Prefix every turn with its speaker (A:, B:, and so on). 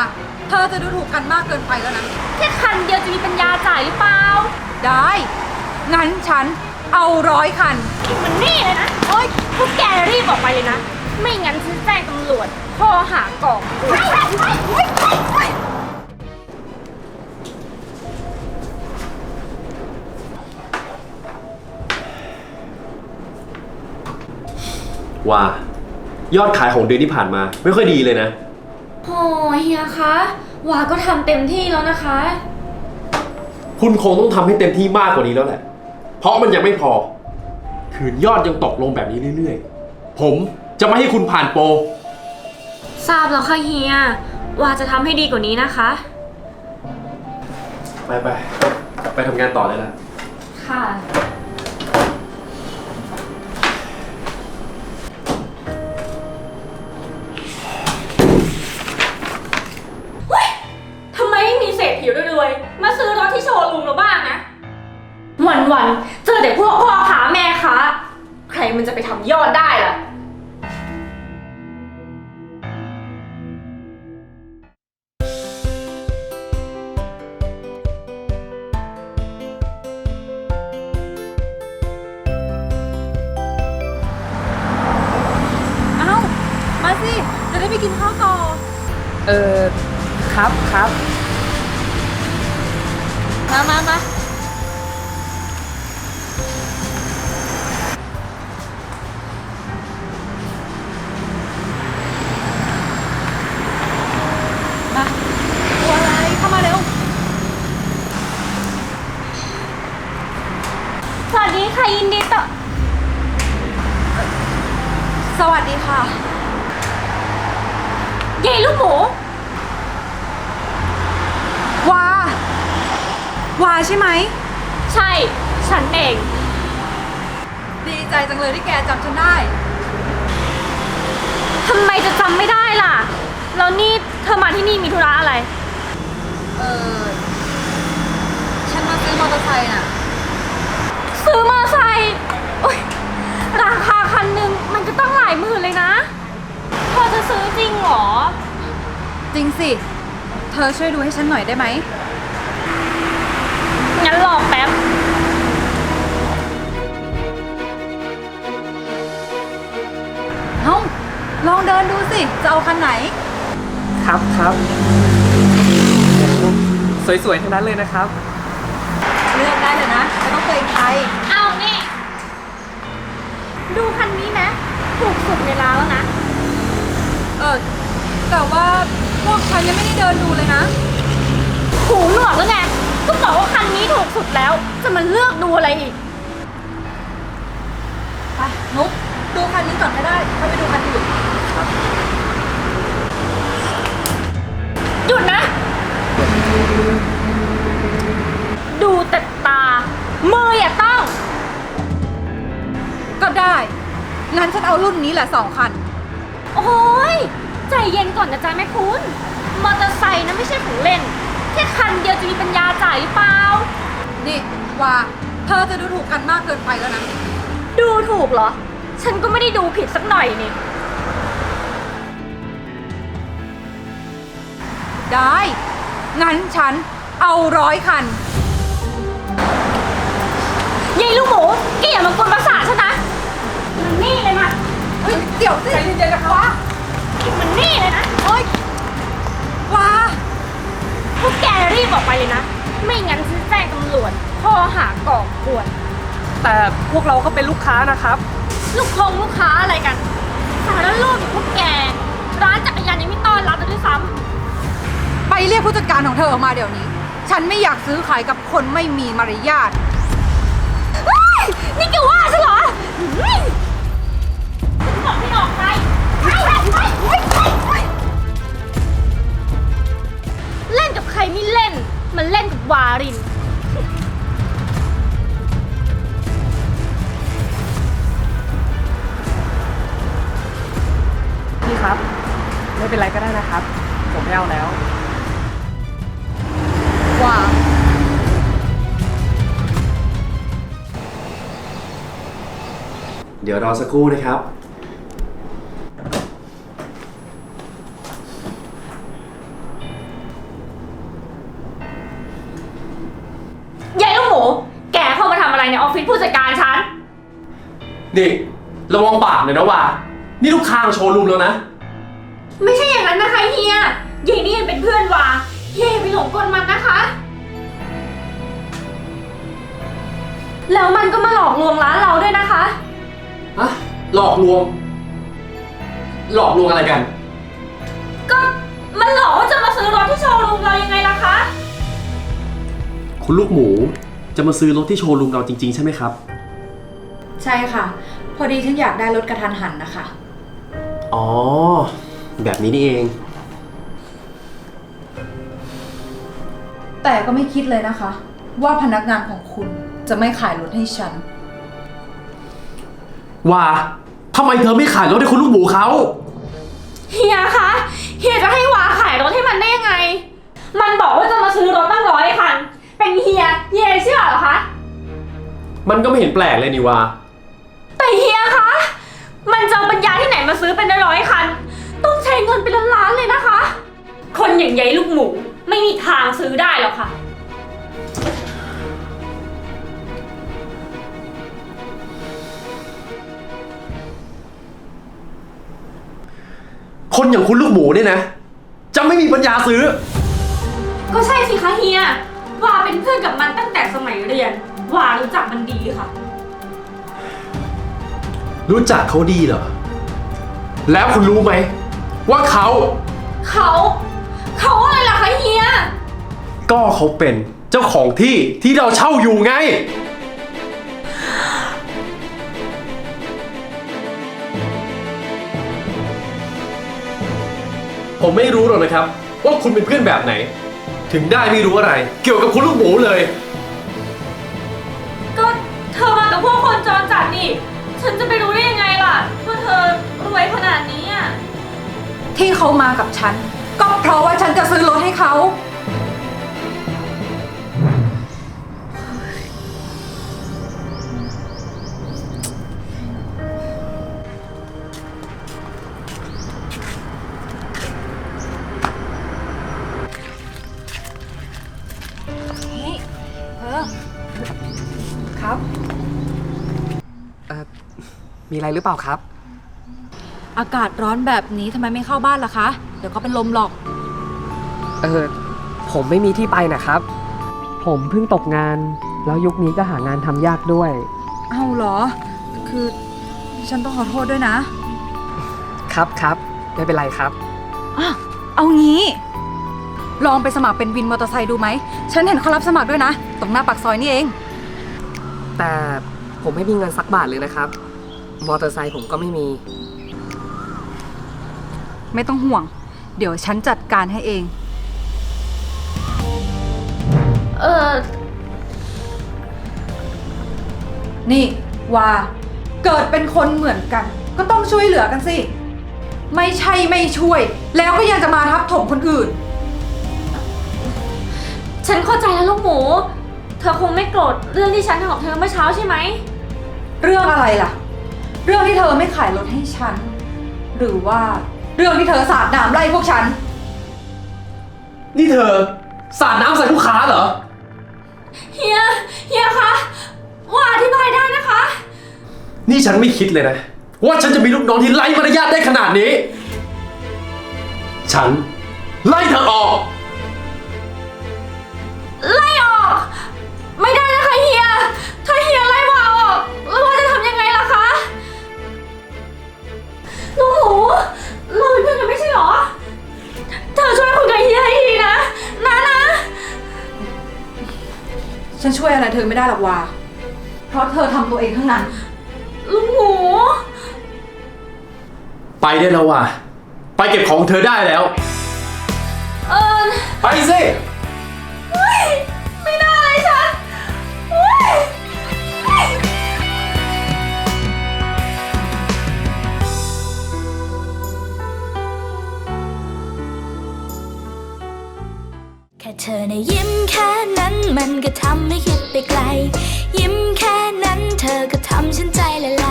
A: เธอจะดูถูกกันมากเกินไปแล้วนะ
B: แค่คันเดียวจะมีปัญญาจ่ายหรือเปล่า
A: ได้ งั้นฉันเอา100 คัน
B: มันนี่เลยนะโอ๊ยพวกแกรีบออกไปเลยนะ ไม่งั้นฉันแจ้งตำรวจข้อหาก่อกวน
C: ว่ายอดขายของเดือนที่ผ่านมาไม่ค่อยดีเลยนะ
B: โอ้เฮียคะวาก็ทำเต็มที่แล้วนะคะ
C: คุณคงต้องทำให้เต็มที่มากกว่านี้แล้วแหละ เพราะมันยังไม่พอ คืนยอดยังตกลงแบบนี้เรื่อยๆ ผมจะไม่ให้คุณผ่านโปร
B: ทราบแล้วค่ะเฮีย วาจะทำให้ดีกว่านี้นะคะ
C: ไปทำงานต่อเลยละ
B: ค่ะ ทำไมไม่มีเศรษฐีรวยๆมาซื้อรถที่โชว์รูมเราบ้างนะ วันๆเจอแต่พวกพ่อค้าแม่ค้าใครมันจะไปทำยอดได้ล่ะ
A: เอ้า มาสิ จะได้ไปกินข้าวต่อ
D: ครับ
A: มา มาตัวอะไร เข้ามาเร็ว
B: สวัสดีค่ะยินดีต้อน
A: สวัสดีค่ะ
B: เย้ลูกหมู
A: วาใช่ไหม
B: ใช่ ฉันเอง
A: ดีใจจังเลยที่แกจำฉันได้
B: ทำไมจะจำไม่ได้ล่ะ แล้วนี่เธอมาที่นี่มีธุระอะไร
A: ฉันมาซื้อมอเตอร์ไซค์น่ะ
B: ซื้อมอเตอร์ไซค์โอ๊ยราคาคันหนึ่งมันจะต้องหลายหมื่นเลยนะเธอจะซื้อจริงเหรอ
A: จริงสิ เธอช่วยดูให้ฉันหน่อยได้ไหม
B: งั้นรอแป๊บ
A: เอ้า ลองเดินดูสิ จะเอาคันไหน
D: ครับสวยๆทั้งนั้นเลยนะครับ
A: เลือกได้เลยนะ ไม่ต้องเกรงใจ
B: เอานี่ ดูคันนี้ไหมถูกสุดในร้านแล้วนะ
A: แต่ว่าพวกฉันยังไม่ได้เดินดูเลยนะ
B: หูหนวกแล้วไง ก็บอกว่าคันนี้ถูกสุดแล้ว จะมาเลือกดูอะไรอีก
A: ไป นุ๊กดูคันนี้ก่อนก็ได้ค่อยไปดูคันอื่น
B: หยุดนะ ดูแต่ตา มืออย่าต้อง
A: ก็ได้ งั้นฉันเอารุ่นนี้แหละ2 คัน
B: โอ้ยใจเย็นก่อนนะจ๊ะแม่คุณ มอเตอร์ไซค์นะไม่ใช่ของเล่น แค่คันเดียวจะมีปัญญาจ่ายหรือเปล่า
A: นี่ว่าเธอจะดูถูกกันมากเกินไปแล้วนะ
B: ดูถูกเหรอ ฉันก็ไม่ได้ดูผิดสักหน่อยนี่
A: ได้ งั้นฉันเอา100 คัน
B: ยายลูกหมูแกอย่ามากวนประสาทฉันนะ มันนี่เลยมา
A: เฮ้ย เดี๋ยวสิใจเย็นๆนะคะว่า
B: มันนี่เลยนะ
A: โอ๊ยว่า
B: พวกแกรีบออกไปเลยนะ ไม่งั้นฉันแจ้งตำรวจข้อหาก่อกวน
D: แต่พวกเราก็เป็นลูกค้านะครับ
B: ลูกค้าอะไรกัน สารโลกอย่างพวกแก ร้านจักรยานยังไม่ต้อนรับเลยด้วยซ้
A: ไปเรียกผู้จัดการของเธอออกมาเดี๋ยวนี้ ฉันไม่อยากซื้อขายกับคนไม่มีมารยาท
B: ำเฮ้ยนี่แกว่าฉันเหรอฉันบอกให้ออกไปเล่นกับใครไม่เล่น มันเล่นกับวาริน
D: พี่ครับ ไม่เป็นไรก็ได้นะครับ ผมไม่เอาแล้ว
A: ว่า
C: เดี๋ยวรอสักครู่นะครับ
A: ว
B: ฟิศผู้จัดการฉัน
C: นี่ระวังปากหน่อยนะว่านี่ลูกค้าโชว์รูมแล้วนะ
B: ไม่ใช่อย่างนั้นนะคะเฮียเยนี่เป็นเพื่อนวาเฮียไปหลงกลมันนะคะ แล้วมันก็มาหลอกลวงร้านเราด้วยนะคะ
C: ฮะ หลอกลวง หลอกลวงอะไรกัน
B: ก็มันหลอกว่าจะมาซื้อรถที่โชว์รูมเรายังไงล่ะคะ
C: คุณลูกหมูจะมาซื้อรถที่โชว์รูมเราจริงๆใช่ไหมครับ
A: ใช่ค่ะ พอดีฉันอยากได้รถกระทันหันนะคะ
C: อ๋อ แบบนี้นี่เอง
A: แต่ก็ไม่คิดเลยนะคะ ว่าพนักงานของคุณจะไม่ขายรถให้ฉัน
C: ว่าทำไมเธอไม่ขายรถให้คุณลูกหมูเขา
B: เฮียคะเฮียจะให้วาขายรถให้มันได้ยังไง มันบอกว่าจะมาซื้อรถตั้ง100 คัน เป็นเฮียเชื่อเหรอคะ
C: มันก็ไม่เห็นแปลกเลยนี่ว่า
B: แต่เฮียคะ มันจะเอาปัญญาที่ไหนมาซื้อเป็น100 คัน ต้องใช้เงินเป็นล้านๆเลยนะคะ คนอย่างยายลูกหมูไม่มีทางซื้อได้หรอกค่ะ
C: คนอย่างคุณลูกหมูเนี่ยนะ จะไม่มีปัญญาซื้อ
B: ก็ใช่สิคะเฮียวาเป็นเพื่อนกับมันตั้งแต่สมัยเรียน วารู้จักมันดีค่ะ
C: รู้จักเขาดีเหรอ แล้วคุณรู้ไหมว่าเขา
B: เขาอะไรล่ะคะเฮีย
C: ก็เขาเป็นเจ้าของที่ที่เราเช่าอยู่ไง ผมไม่รู้หรอกนะครับ ว่าคุณเป็นเพื่อนแบบไหน ถึงได้ไม่รู้อะไร เกี่ยวกับคุณลูกหมูเลย
B: ก็เธอมากับพวกคนจรจัดนี่ ฉันจะไปรู้ได้ยังไงล่ะว่าเธอรวยขนาดนี้อ่ะ
A: ที่เขามากับฉัน ก็เพราะว่าฉันจะซื้อรถให้เขา ครับ
D: มีอะไรหรือเปล่าครับ
A: อากาศร้อนแบบนี้ทำไมไม่เข้าบ้านล่ะคะ เดี๋ยวก็เป็นลมหรอก
D: ผมไม่มีที่ไปนะครับ ผมเพิ่งตกงาน แล้วยุคนี้ก็หางานทำยากด้วย
A: เอาเหรอ คือฉันต้องขอโทษด้วยนะ
D: ครับไม่เป็นไรครับ
A: อ่ะเอางี้ ลองไปสมัครเป็นวินมอเตอร์ไซค์ดูไหม ฉันเห็นเขารับสมัครด้วยนะ ตรงหน้าปากซอยนี่เอง
D: แต่ผมไม่มีเงินสักบาทเลยนะครับ มอเตอร์ไซค์ผมก็ไม่มี
A: ไม่ต้องห่วง เดี๋ยวฉันจัดการให้เอง นี่ว่าเกิดเป็นคนเหมือนกัน ก็ต้องช่วยเหลือกันสิ ไม่ใช่ไม่ช่วย แล้วก็ยังจะมาทับถมคนอื่น
B: ฉันเข้าใจแล้วลูกหมู เธอคงไม่โกรธเรื่องที่ฉันทำกับเธอเมื่อเช้าใช่ไหม
A: เรื่องอะไรล่ะ เรื่องที่เธอไม่ขายรถให้ฉัน หรือว่าเรื่องที่เธอสาดน้ำไล่พวกฉัน
C: นี่เธอสาดน้ำใส่ลูกค้าเหรอ
B: เฮียคะว่าอธิบายได้นะคะ
C: นี่ฉันไม่คิดเลยนะ ว่าฉันจะมีลูกน้องที่ไร้มารยาทได้ขนาดนี้ ฉันไล่เธอออก
B: ไล่ออก ไม่ได้นะคะเฮีย ถ้าเฮียไล่วาออกแล้ววาจะทำยังไงล่ะคะลูกหมูเราเป็นเพื่อนกันไม่ใช่เหรอ เธอช่วยคุยกับเฮียให้ทีนะ
A: ฉันช่วยอะไรเธอไม่ได้หรอกว่า เพราะเธอทำตัวเองทั้งนั้น
B: ลูกหมู
C: ไปได้แล้วว่ะ ไปเก็บของเธอได้แล้ว ไปสิ
B: ไม่ได้เลยฉันเฮ้ย
E: แค่เธอในะยิ้มแค่นั้นมันก็ทำให้คิดไปไกล ยิ้มแค่นั้นเธอก็ทำฉันใจละล